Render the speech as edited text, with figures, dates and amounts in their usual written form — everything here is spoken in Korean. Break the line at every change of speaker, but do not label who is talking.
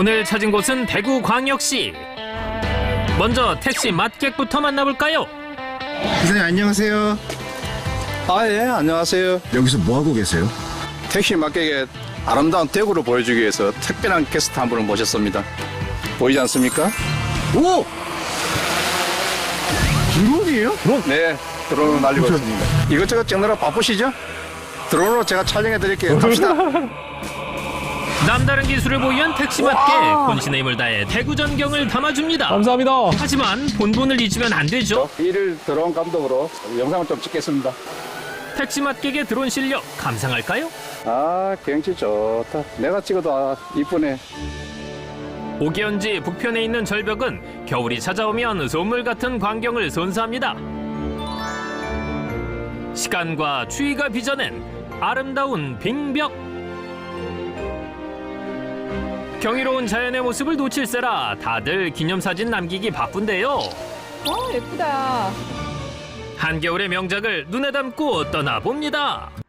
오늘 찾은 곳은 대구광역시. 먼저 택시 맛객부터 만나볼까요?
기사님 안녕하세요.
아, 예, 안녕하세요.
여기서 뭐 하고 계세요?
택시 막객의 아름다운 대구를 보여주기 위해서 특별한 게스트 한 분을 모셨습니다. 보이지 않습니까?
오! 드론이에요?
네, 드론을 날리고 있습니다. 이것저것 찍느라 바쁘시죠? 드론으로 제가 촬영해 드릴게요. 갑시다.
남다른 기술을 보유한 택시 맛객. 본신의 힘을 다해 대구 전경을 담아줍니다.
감사합니다.
하지만 본분을 잊으면 안 되죠.
일일 드론 감독으로 영상을 좀 찍겠습니다.
택시 맛객의 드론 실력 감상할까요?
아, 경치 좋다. 내가 찍어도 이쁘네.
오기현지 북편에 있는 절벽은 겨울이 찾아오면 소물 같은 광경을 선사합니다. 시간과 추위가 빚어낸 아름다운 빙벽. 경이로운 자연의 모습을 놓칠세라 다들 기념사진 남기기 바쁜데요.
예쁘다.
한겨울의 명작을 눈에 담고 떠나봅니다.